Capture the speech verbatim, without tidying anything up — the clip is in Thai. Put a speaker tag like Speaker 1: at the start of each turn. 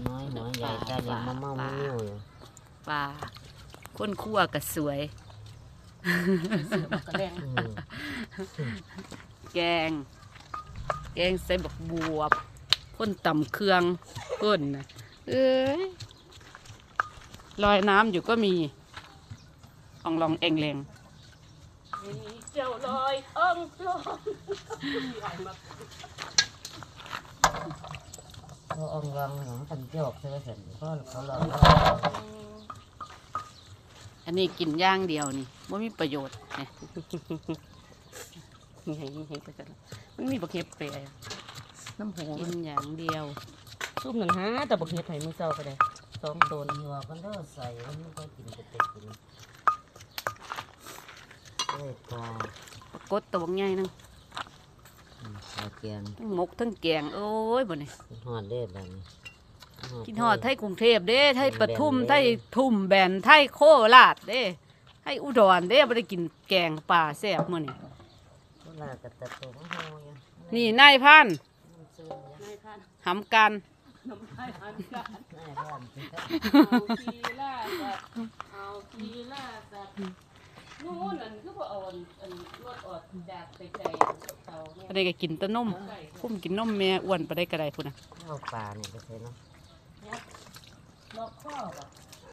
Speaker 1: น้อยหัวใหญ่ตายังมะม่วงมะมิ้วอยู่
Speaker 2: ปลาคนคั่วก็สวยแกงแกงใส่บักบวบคนตำเครื่องคนนะเอ้ยลอยน้ำอยู่ก็มีอ่องลองเองเลงเจ้าลอยอ่องลอง
Speaker 1: เขาอ่องลองของตันโจกใช่ไหมเสร็จก็เขาลอง
Speaker 2: อันนี้กินย่างเดียวนี่ไม่มีประโยชน์เนี่ยนี่ให้นี่ให้ไปกันมันมีบักเห็บเปรย์น้ำหูกินอย่างเดียวซุปหนึ่งฮะแต่บักเห็บไผ่มือเศร้าไปเลยสองตัว
Speaker 1: หัวกันเด้อใส่มันไม่ค่อยกินเป็ดกินเอ้ยปล
Speaker 2: ากดตัวใหญ่นึง
Speaker 1: ปลาเกียน
Speaker 2: ทั้งหมกทั้งแกงโอ้ยบ่เนี่ย
Speaker 1: หอดเด้แบบนี้
Speaker 2: กินหอดไทยกรุงเทพเด้ไทยปทุมไทยทุ่มแบนไทยโคราชเด้ไทยอุดรเด้บ่ได้กินแกงป่าแซ่บมื้อนี้นี่นายพันหำกันน้ำลายหันกันเอาทีล่าสัตว์เอาทีล่าสัตว์นู้นนั่นคือพอเอาอันรถออกจากไกลๆเตาเนี่ยอะไรก็กินแต่นมพุ่มกินนมแม่อ้วนไปได้กระไดพุ่นนะ
Speaker 1: เอาปลาเนี่ยไปใส่เนาะ
Speaker 2: ล็อกข้อป่ะ